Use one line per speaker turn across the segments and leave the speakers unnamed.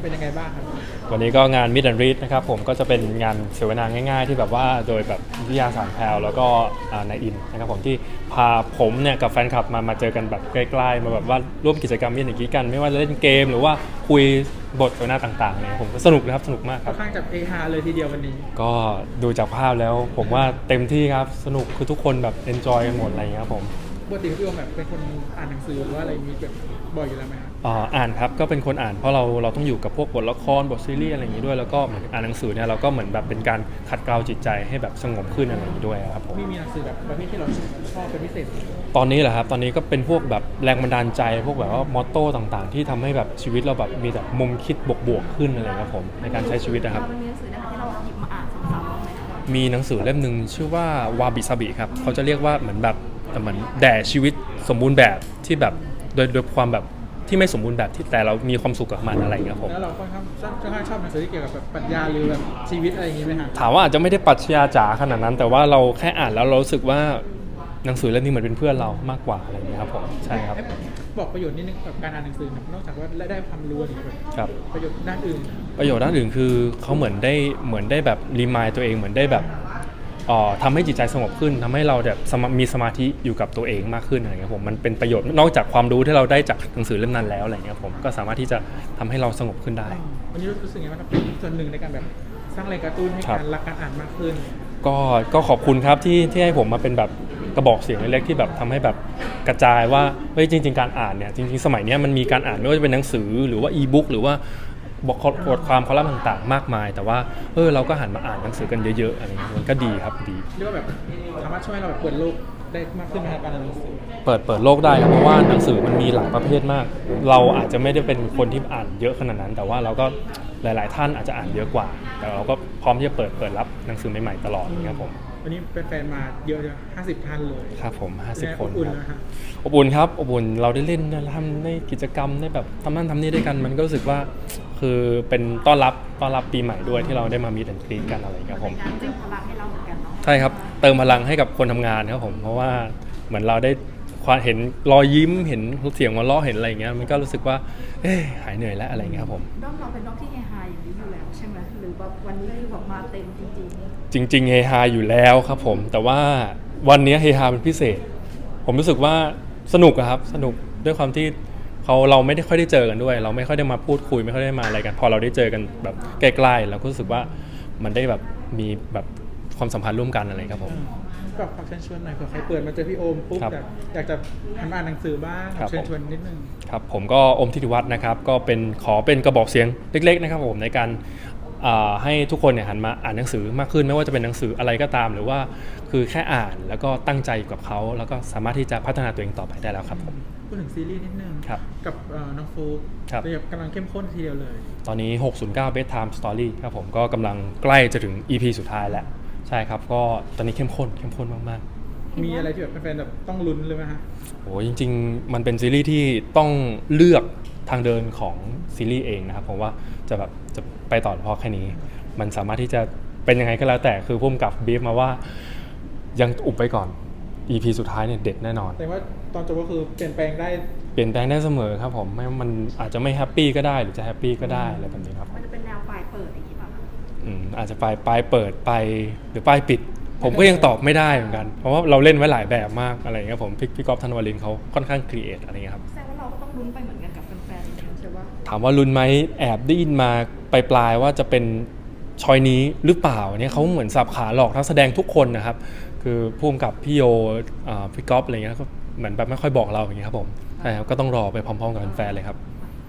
เป็นยังไงบ้างครับ
วันนี้ก็งาน Meet and Read นะครับผมก็จะเป็นงานเสวนาง่ายๆที่แบบว่าโดยแบบวิทยาศาสตร์แพลวแล้วก็นายอินนะครับผมที่พาผมเนี่ยกับแฟนคลับมาเจอกันแบบใกล้ๆมาแบบว่าร่วมกิจกรรมอย่างนี้กันไม่ว่าจะเล่นเกมหรือว่าคุยบทเสวนาต่างๆเนี่ยผมก็สนุกนะครับสนุกมากครับ
ค่อนข้างจะเอฮาเลยทีเดียววันนี้
ก็ดูจากภาพแล้วผมว่าเต็มที่ครับสนุกคือทุกคนแบบ enjoy กันหมดอะไรอย่างเงี้ยครับผม
ปกติพี่โอมแบบเป็นคนอ่านหนังสือหรือว่าอะไรมีแบบบ่อยอยู่แล้วไหมครับ
อ่านครับก็เป็นคนอ่านเพราะเราต้องอยู่กับพวกบทละครบทซีรีส์อะไรอย่างนี้ด้วยแล้วก็เหมือนอ่านหนังสือเนี่ยเราก็เหมือนแบบเป็นการขัดเกลาจิตใจให้แบบสงบขึ้นอะไรอย่างนี้ด้วยครับผม
มีหนังสือแบบประเภทที่เราชอบเป็นพิเศษ
ตอนนี้แหละครับตอนนี้ก็เป็นพวกแบบแรงบันดาลใจพวกแบบว่ามอตโต้ต่างๆที่ทำให้แบบชีวิตเราแบบมีแบบมุมคิดบวกๆขึ้นอะไรครับผมในการใช้ชีวิตนะครับ
มันมีหนังสือนะคะที่เราหยิบมาอ่านซ้ำๆบ้างไหมคะ
มีหนังสือเล่มหนึ่งชื่อว่าวาบิซาบิครับเขาจะเรียกว่าเหมือนแบบเหมือนแด่ชีวิตสมบูรณ์แบบที่แบบโดยความแบบที่ไม่สมบูรณ์แบบที่แต่เรามีความสุขกับมันอะไรอย่างเงี้ยผม
แล้วเราค่อนข้างชอบหนังสือที่เกี่ยวกับแบบปรัชญาหรือแบบชีวิตอะไรอย่างงี้ไหมครับ
ถามว่าอาจจะไม่ได้ปรัชญาจ๋าขนาดนั้นแต่ว่าเราแค่อ่านแล้วเรารู้สึกว่าหนังสือเล่มนี้เหมือนเป็นเพื่อนเรามากกว่าอะไรอย่างเงี้ยครับผมใช่ครับ
บอกประโยชน์นิดนึงกับการอ่านหนังสือนอกจากว่าได้ความรู้อะไรแบบ
ครับ
ประโยชน์ด้านอื่น
ประโยชน์ด้านอื่นคือเขาเหมือนได้แบบรีมายตัวเองเหมือนได้แบบทำให้จิตใจสงบขึ้นทำให้เราแบบมีสมาธิอยู่กับตัวเองมากขึ้นอะไรเงี้ยผมมันเป็นประโยชน์นอกจากความรู้ที่เราได้จากหนังสือเล่มนั้นแล้วอะไรเงี้ยผมก็สามารถที่จะทำให้เราสงบขึ้นได้
วันนี้รู้สึกไงบ้างครับเป็นส่วนหนึ่งในการแบบสร้างแรงกระตุ้นให้การรักการอ่านมากขึ้น
ก็ขอบคุณครับที่ให้ผมมาเป็นแบบกระบอกเสียงเล็กๆที่แบบทำให้แบบกระจายว่าเฮ้ยจริงๆการอ่านเนี่ยจริงๆสมัยนี้มันมีการอ่านไม่ว่าจะเป็นหนังสือหรือว่าอีบุ๊กหรือว่าบทความคอลัมน์ต่างๆมากมายแต่ว่าเราก็หันมาอ่านหนังสือกันเยอะๆอะไรเงี้ยมันก็ดีครับดี
เรียกว่าแบบสามารถช่วยเราแบบเปิดโลกได้มากขึ้นในการอ่านหนังสือ
เปิดโลกได้ครับเพราะว่าหนังสือมันมีหลายประเภทมากเราอาจจะไม่ได้เป็นคนที่อ่านเยอะขนาดนั้นแต่ว่าเราก็หลายๆท่านอาจจะอ่านเยอะกว่าแต่เราก็พร้อมที่จะเปิดรับหนังสือใหม่ๆตลอดครับผม
วันนี้เป็นแฟนมาเยอะเลย50 ท่านเลย
ครับผม50 คน
ครับ
อบอุ่นครับอบอุ่นเราได้เล่นทำในกิจกรรมได้แบบทำนั่นทำนี่ด้วยกันมันก็รู้สึกว่าคือเป็นต้อนรับปีใหม่ด้วยที่เราได้มามีแต่งกรีดกันอะไรครับผม
การเติมพลังให้เราเหมือนกันเนาะ
ใช่ครับเติมพลังให้กับคนทำงานครับผมเพราะว่าเหมือนเราได้เห็นรอยยิ้มเห็นเสียงหัวเราะเห็นอะไรอย่างเงี้ยมันก็รู้สึกว่าหายเหนื่อยแล้วอะไรอย่างเงี้ยครับผม
ด้อมเราเป็นด้อมที่เฮฮาอย่างนี้อยู่แล้วใช่ไหมหรือแบบวันนี้คือแบบมาเต็มจริง
จริงๆเฮฮาอยู่แล้วครับผมแต่ว่าวันนี้เฮฮาเป็นพิเศษผมรู้สึกว่าสนุกครับสนุกด้วยความที่เราไม่ได้ค่อยได้เจอกันด้วยเราไม่ค่อยได้มาพูดคุยไม่ค่อยได้มาอะไรกันพอเราได้เจอกันแบบใกล้ๆเราก็รู้สึกว่ามันได้แบบมีแบบความสัมพันธ์ร่วมกันอะไรครับผม
ก็ฝากเชิญชวนหน่อยเผื่อใครเปิดมาเจอพี่โอมปุ๊บอยากจะหันมาอ่านหนังสือบ้างเชิญชวนนิดนึง
ครับผมก็อมทิติวัฒน์นะครับก็ขอเป็นกระบอกเสียงเล็กๆนะครับผมในการให้ทุกคนเนี่ยหันมาอ่านหนังสือมากขึ้นไม่ว่าจะเป็นหนังสืออะไรก็ตามหรือว่าคือแค่อ่านแล้วก็ตั้งใจกับเขาแล้วก็สามารถที่จะพัฒนาตัวเองต่อไปได้แล้วครับผม
พูดถึงซีรีส์นิดนึงกับน้องฟูกำลังเข้มข้นทีเดียวเลย
ตอนนี้609 Bedtime Story ครับผมก็กำลังใกล้จะถึง EP สุดท้ายแล้วใช่ครับก็ตอนนี้เข้มข้นมาก
ๆมีอะไรที่แบบแฟนๆแบบต้องลุ้นเลยไหมฮะ
โอ้จริงๆมันเป็นซีรีส์ที่ต้องเลือกทางเดินของซีรีส์เองนะครับผมว่าจะไปต่อเพราะแค่นี้มันสามารถที่จะเป็นยังไงก็แล้วแต่คือพุ่มกับบีฟมาว่ายังอุบไปก่อน EP สุดท้ายเนี่ยเด็ดแน่นอน
แต่ว่าตอนจบก็คือเปลี่ยนแปลงได้
เสมอครับผมมันอาจจะไม่แฮปปี้ก็ได้หรือจะแฮปปี้ก็ได้อะไรแบบนี้ครับ
มันจะเป็นแนวปลายเปิดอย่างนี้ป่ะ
อาจจะปลายเปิดไปหรือปลายปิดผมก็ยังตอบไม่ได้เหมือนกันเพราะว่าเราเล่นไว้หลายแบบมากอะไรเงี้ยผมพี่ก๊อฟธันวาลินเขาค่อนข้างครีเอทอะไรเงี้ยครับ
แสดงว่าเราก็ต้องลุ้นไปเหมือนกันกับแฟนๆใช่ป่ะ
ถามว่าลุ้นไหมแอบได้ยินมาปลายว่าจะเป็นชอยนี้หรือเปล่าเนี่ยเขาเหมือนสับขาหลอกนักแสดงทุกคนนะครับคือพุ่มกับพี่โยพี่ก๊อฟอะไรเงี้ยก็เหมือนแบบไม่ค่อยบอกเราอย่างเงี้ยครับผมใช่ครับก็ต้องรอไปพร้อมๆกับแฟนๆเลยครับ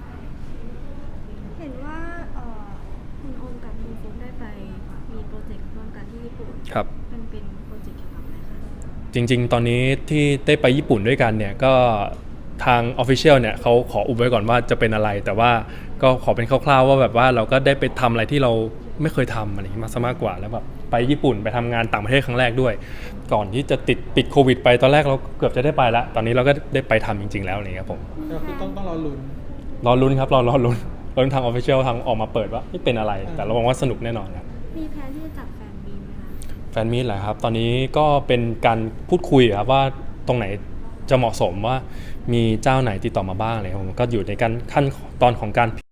เห็นว่าคุณโอมกับคุณฟุ๊กได้ไปมีโปรเจกต์ร่วมกันที่ญี่ปุ่น
ครับ
มันเป็นโปรเจกต์เกี่ยวกับอะไรคะ
จริงๆตอนนี้ที่ได้ไปญี่ปุ่นด้วยกันเนี่ยก็ทาง Official เนี่ยเขาขออุบไว้ก่อนว่าจะเป็นอะไรแต่ว่าก็ขอเป็นคร่าวๆว่าแบบว่าเราก็ได้ไปทำอะไรที่เราไม่เคยทำอะไรอย่างนี้มากกว่าแล้วแบบไปญี่ปุ่นไปทำงานต่างประเทศครั้งแรกด้วยก่อนที่จะปิดโควิดไปตอนแรกเราเกือบจะได้ไปแล้วตอนนี้เราก็ได้ไปทำจริงๆแล้วนี่ครับผม
ก็คือต้องรอ
ลุ้นครับรอลุ้นทาง Official ทางออกมาเปิดว่าไม่เป็นอะไรแต่เราหวังว่าสนุกแน่นอนครับ
มีแผนที่จะจัดแฟนมีตไหมคะ
แฟนมีตเหรอครับตอนนี้ก็เป็นการพูดคุยครับว่าตรงไหนจะเหมาะสมว่ามีเจ้าไหนติดต่อมาบ้างอะไรครับผมก็อยู่ในขั้นตอนของการ